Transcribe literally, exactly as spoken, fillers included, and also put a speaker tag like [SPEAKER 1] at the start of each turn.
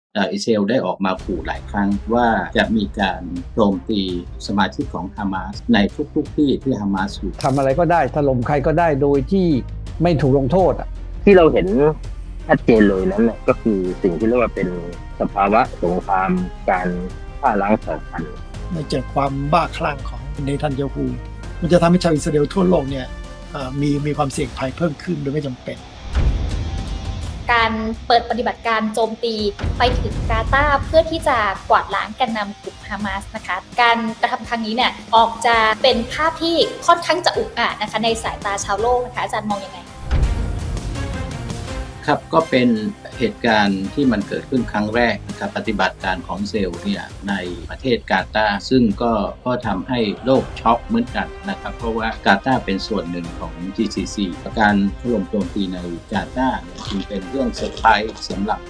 [SPEAKER 1] อิสราเอลได้ออกมาขู่หลายครั้งว่าจะมีการโจมตีสมาชิกของฮามาสในทุกๆที่ที่ฮามาสอยู่
[SPEAKER 2] ทำอะไรก็ได้ถล่มใครก็ได้โดยที่ไม่ถูกลงโทษอ่ะ
[SPEAKER 3] ที่เราเห็นชัดเจนเลยนั้นเนี่ยก็คือสิ่งที่เรียกว่าเป็นสภาวะสงครามการฆ่าล้างเผ่าพันธุ์
[SPEAKER 4] ในเกิดความบ้าคลั่งของเนทันยาฮูมันจะทำให้ชาวอิสราเอลทั่วโลกเนี่ยมีมีความเสี่ยงภัยเพิ่มขึ้นโดยไม่จำเป็น
[SPEAKER 5] การเปิดปฏิบัติการโจมตีไปถึงกาตาร์เพื่อที่จะกวาดล้างแกนนำกลุ่มฮามาสนะคะการกระทำครั้งนี้เนี่ยออกจะเป็นภาพที่ค่อนข้างจะอุกอาจนะคะในสายตาชาวโลกนะคะอาจารย์มองยังไง
[SPEAKER 1] ครับก็เป็นเหตุการณ์ที่มันเกิดขึ้นครั้งแรกนะครับปฏิบัติการของเซลล์เนี่ยในประเทศกาตาร์ซึ่งก็ก็ทำให้โลกช็อกเหมือนกันนะครับเพราะว่ากาตาร์เป็นส่วนหนึ่งของ จี ซี ซี การถล่มโจมตีในกาตาร์จึงเป็นเรื่องเซอร์ไพรส์สำหรับ